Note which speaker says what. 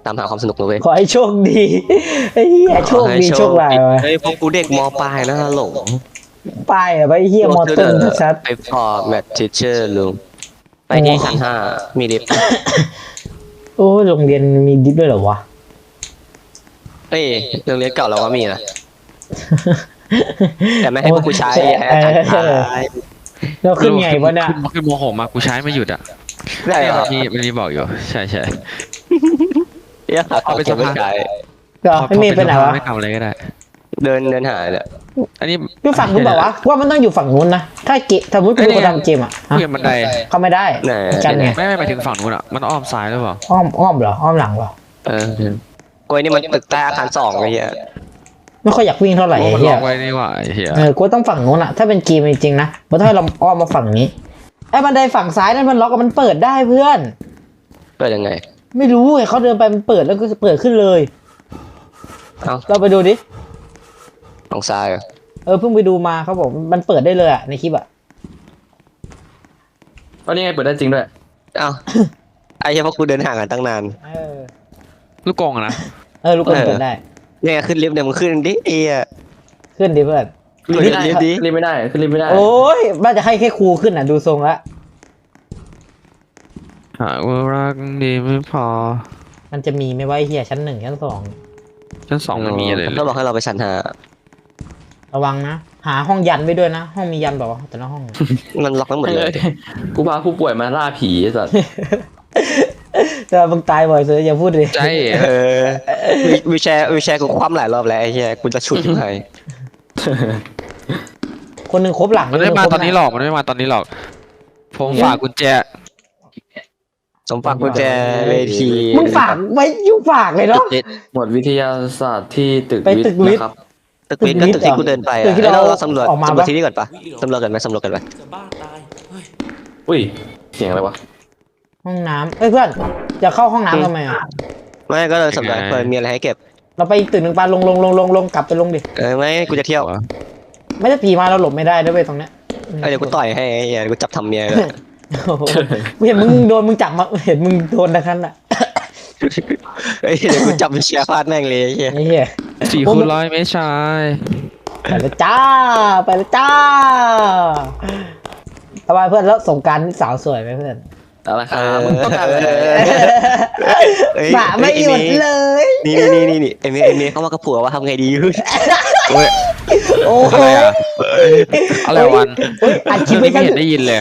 Speaker 1: ตามหาความสนุกเลยเว้ย
Speaker 2: ขอให้โชคดีไอ้เหี้ยโชคดีโชคร้ายไป
Speaker 1: เฮ้ยพวกกูเด็กมปลายนะหลง
Speaker 2: ป้ายอะไปเหี้ยมอต้นชัด
Speaker 1: ไปพอแมททิเชอร์ลุงไปที่ชั้นห้ามีลิฟต์
Speaker 2: โอ้โรงเรียนมีดิฟด้วยเหรอวะ
Speaker 1: เอ้ยโรงเรียนเก่าเราก็มีนะแต่ไม่ให้พวกกูใช้
Speaker 2: เออเราขึ้นไงวะเนี่ย
Speaker 3: ขึ้นโมโหมากูใช้ไม่หยุดอ่ะ
Speaker 1: ได้เหรอ
Speaker 3: มันมีบอกอยู่ใช่ใช่
Speaker 1: เดี๋ยวเอาไปจะไม่ใช้
Speaker 2: ก็ไม่มีไปไหนวะ
Speaker 3: ไม่ทำอะไรก็ได้
Speaker 1: เดินหาเนี่ย
Speaker 3: อันนี้
Speaker 2: อยู่ฝั่งนู้นบอกว่าว่ามันต้องอยู่ฝั่งนู้นนะถ้าเกะสมมติกูทำเกมอ่ะฮะ
Speaker 3: เพื่อนบันได
Speaker 2: เข้าไม่ได้กันไง
Speaker 3: ไม่ไปถึงฝั่งนู้นอ่ะมันอ้อมซ้ายหรือเปล่า
Speaker 2: อ้อมเหรออ้อมหลังเหรอ
Speaker 1: กล้วยนี่มันตึกใต้อาคาร2ไอ้เหี้ย
Speaker 2: ไม่ค่อยอยากวิ่งเท่าไหร่
Speaker 3: โอ้
Speaker 2: ไอ้
Speaker 3: มันล็
Speaker 2: เหี้
Speaker 3: อย กไว้นี่หว่าไอ้เหี้ย
Speaker 2: กูต้องฝั่งนู้นอ่ะถ้าเป็นเกมจริงๆนะมันต้องให้เราอ้อมมาฝั่งนี้ไอ้บันไดฝั่งซ้ายนั่นมันล็อกมันเปิดได้เพื่อน
Speaker 1: เปิดยังไง
Speaker 2: ไม่รู้ไงเขาเดินไปมันเปิดแล้วก็เปิดขึ้นเลย
Speaker 1: เอ้า
Speaker 2: เราไปดูดิ
Speaker 1: ทางซ้ายเหรอ
Speaker 2: เพิ่งไปดูมาเขาบอกมันเปิดได้เลยอ่ะในคลิปอ่ะ
Speaker 4: ก็นี่ไงเปิดได้จริงด้วย
Speaker 1: เอ้าไอ้เหี้ยพวกกูเดินห่างกันตั้งนาน
Speaker 3: ลูกกงอะนะ
Speaker 2: ลูกกลเปิดได้
Speaker 1: เนี่ยขึ้นลิฟต์เนี่ยมึงขึ้นดิไอ้เหี้ย
Speaker 2: ขึ้นดิเพื่อน
Speaker 4: ขึ้นไม่ได้
Speaker 1: ลิฟต์ดิ
Speaker 4: ขึ้นไม่ได้ขึ้นไม่ได้
Speaker 2: โอ้ยบ้านจะให้แค่ครูขึ้นอ่ะดูทรงละ
Speaker 3: หากว่ารักดีไม่พอ
Speaker 2: มันจะมีไหม่ว่าเฮียชั้น 1 ชั้น
Speaker 3: ชั้นสองมันมีอะไร
Speaker 1: ก็บอกให้เราไปชั้น5
Speaker 2: 2ระวังนะหาห้องยันไว้ด้วยนะห้องมียันบอกว่าแต่ละห้อง
Speaker 1: มันล็อกทั้งหมดเลย
Speaker 4: กูพาผู้ป่วยมาล่าผีไอ้สัตว์
Speaker 2: แต่มึงตายบ่อยเสืออย่าพูดเลย
Speaker 3: ใจ
Speaker 1: วิวแชร์กูคว่ำหลายรอบแล้วไอ้เหี้ยกูจะฉุดยังไง
Speaker 2: คนหนึ่งครบหลัง
Speaker 3: มันไม่มา
Speaker 2: ครบ
Speaker 3: ตอนนี้หรอกมันไม่มาตอนนี้หรอกผมฝากกุญแจ
Speaker 1: สมฝากกุญแจเวที
Speaker 2: มึงฝากไว้อยู่ฝากเลยเนาะ
Speaker 4: หมวดวิทยาศาสตร์ที่ตึก
Speaker 2: ไป
Speaker 4: วิ
Speaker 2: ตึ
Speaker 4: ท
Speaker 2: ก
Speaker 4: ย์
Speaker 2: วิทย์
Speaker 4: นะครับ
Speaker 1: ตึกวิทย์ก็ตึกที่กูเดินไป
Speaker 2: ตึกที่เรา
Speaker 1: เราสำรวจ
Speaker 2: ออกมา
Speaker 1: สำรวจ
Speaker 2: ปะ
Speaker 1: ที่นี่ก่อนปะสำรวจกันไหมสำรวจกันไหม
Speaker 4: อุ้ยเสียงอะไรวะ
Speaker 2: ห้องน้ำเพื่อนจะเข้าห้องน้ำทำไมอ่ะ
Speaker 1: ไม่ก็เลยสำรวจเปิดมีอะไรให้เก็บ
Speaker 2: เราไปอีกตึกหนึ่งปาลงกลับไปลงดิ
Speaker 1: ไม่กูจะเที่ยว
Speaker 2: ไม่ได้ผีมาเราหลบไม่ได้ด้วยเวยตรงเนี้ย
Speaker 1: เดี๋ยวกูต่อยให้ไอ้เหี้ยกูจับทำเมียเลย
Speaker 2: โอ้โหเห็นมึงโดนมึงจับมาเห็นมึงโดนนะครับน่ะ
Speaker 1: เฮ้ยเดี๋ยวกูจับไปเชียร์ฟาดแม่งเลยไอ้เหี้ย
Speaker 2: ไอ้เหี้ย
Speaker 3: 400ไม่ใช่
Speaker 2: ไปแล้วจ้าไปแล้วจ้าทำไมเพื่อนแล้วสงกรารนี่สาวสวยไหมเพื่อน
Speaker 4: เอาละครับมึงต้องการอะไร
Speaker 2: สาไม่หยุดเลย
Speaker 1: นี่เอเมเข้ามากับผัวว่าทำไงดี
Speaker 3: โอ้ย
Speaker 2: โอ้โห
Speaker 3: อะไรอ่ะอะไรวัน
Speaker 2: อัดคลิปไว้
Speaker 3: ไม่
Speaker 2: ซะ
Speaker 3: เห็นได้ยินเลย